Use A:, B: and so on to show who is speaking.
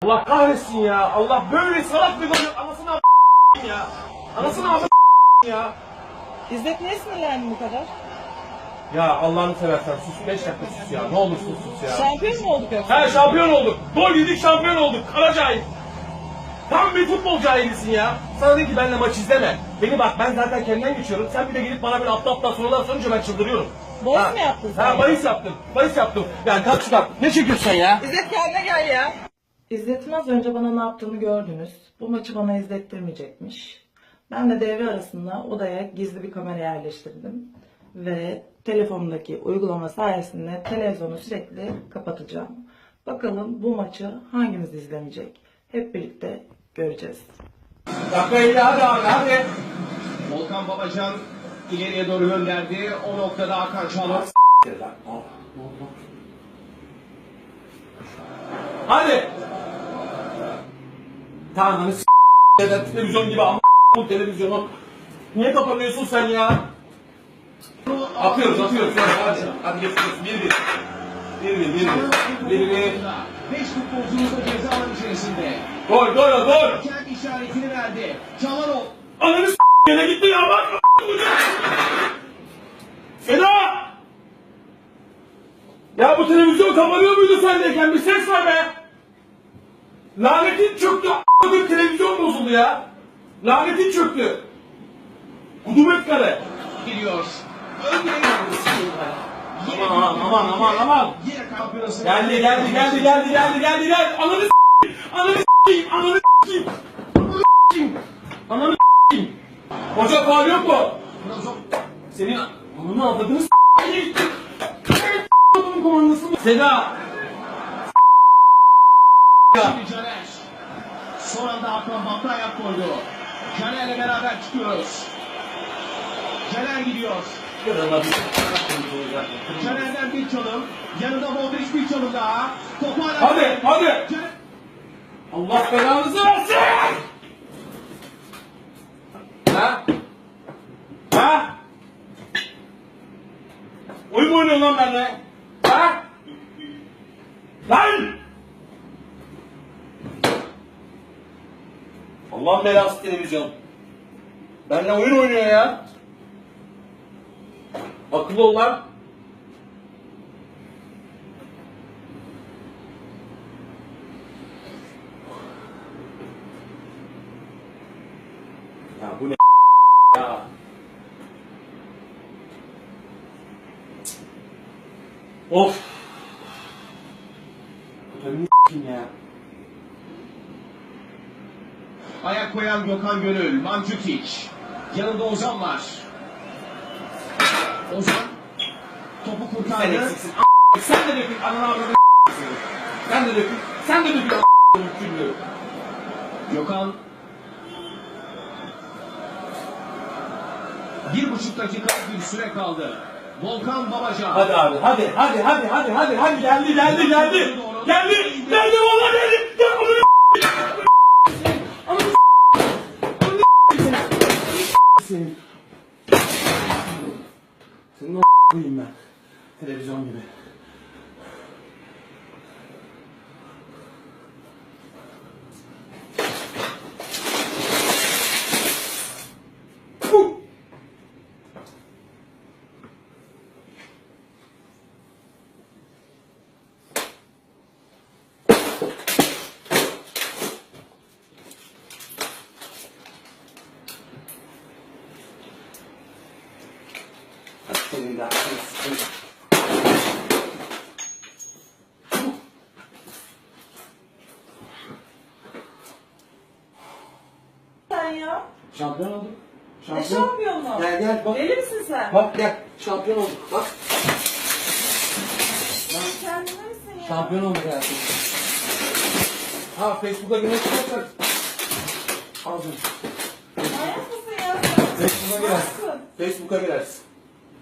A: Allah kahretsin ya. Allah böyle salak bir gol. Anasını ya. Anasını ya.
B: İzzet niye sinirlendin bu kadar?
A: Ya Allah'ını seversen sus 5 dakika sus ya. Ne olursun sus ya.
B: Şampiyon mu olduk yoksa?
A: He şampiyon olduk. Gol yedik şampiyon olduk. Kara cahil. Tam bir futbol cahilisin ya. Sana dedi ki benimle maç izleme. Beni bak ben zaten kendimden geçiyorum. Sen bir de gelip bana böyle aptal sorular sorunca ben çıldırıyorum.
B: Bahis mi yaptın sen?
A: Ha bahis yaptım. Bahis yaptım. Yani kalk şuradan. Ne çekiyorsun sen ya?
B: İzzet kendine gel ya. İzzet'in az önce bana ne yaptığını gördünüz. Bu maçı bana izlettirmeyecekmiş. Ben de devre arasında odaya gizli bir kamera yerleştirdim. Ve telefonumdaki uygulama sayesinde televizyonu sürekli kapatacağım. Bakalım bu maçı hangimiz izlemeyecek? Hep birlikte göreceğiz.
A: Dakika hadi.
C: Volkan Babacan ileriye doğru gönderdi. O noktada Hakan Çalhanoğlu.
A: Hadi. Tanrını televizyon gibi ama bu televizyonu. Niye kapanıyorsun sen ya? Atıyoruz. Hadi geçiyoruz. 1-1.
C: 5 futbolcumuz da ceza alanı içerisinde.
A: Gol.
C: Kendi işaretini verdi. Çalhanoğlu.
A: Ananı yine gitti ya bak. Seda! Ya bu televizyon kapanıyor muydu sendeyken? Bir ses var be! Lanetin çöktü. A**lık televizyon bozuldu ya. Lanetin çöktü. Kudumet kare.
C: Gidiyor.
A: Aman.
C: Yine kampiyonası.
A: Geldi. Ananı s**eyim. Hoca faul yok mu? Senin ananı avladığını s**eyim. Komandası mı? Seda.
C: Şimdi Caner. Son anda Hakan Batı ayak koydu. Caner'le beraber çıkıyoruz. Caner gidiyor. Caner'den bir çalım. Yanında Modric bir çalım daha. Topu hala...
A: Hadi.
C: Caner...
A: Allah belanızı versin. Ha? Oyun mu oynuyorsun lan benimle? Ha? Lan! Allah belası televizyon. Benimle oyun oynuyor ya. Akıllı ol lan. Ya bu ne ya? Of. Kutabını s**eyim ya.
C: Ayak koyan Gökhan Gönül, Mandzukic. Yanında Ozan var. Ozan topu
A: Sen
C: kurtardı.
A: eksiksin. Sen de dökün. Ananı avradını Sen de dökün. Küllü.
C: Gökhan 1,5 dakika bir süre kaldı. Volkan Babacan.
A: Hadi abi. Hadi. Geldi vallahi geldi. Ya senin. Senin o koyayım ben. Televizyon gibi. Senin de
B: Sen ya.
A: şampiyon olduk.
B: Ne şampiyonluğu?
A: Gel bak.
B: Deli misin sen?
A: Bak gel. Şampiyon olduk. Bak.
B: Sen kendine misin ya?
A: Şampiyon olduk hayatım. Ha Facebook'a girmek istiyorsan. Al canım.
B: Manyak mısın ya sen?
A: Facebook'a girersin.
B: Nasılsın?
A: Facebook'a girersin.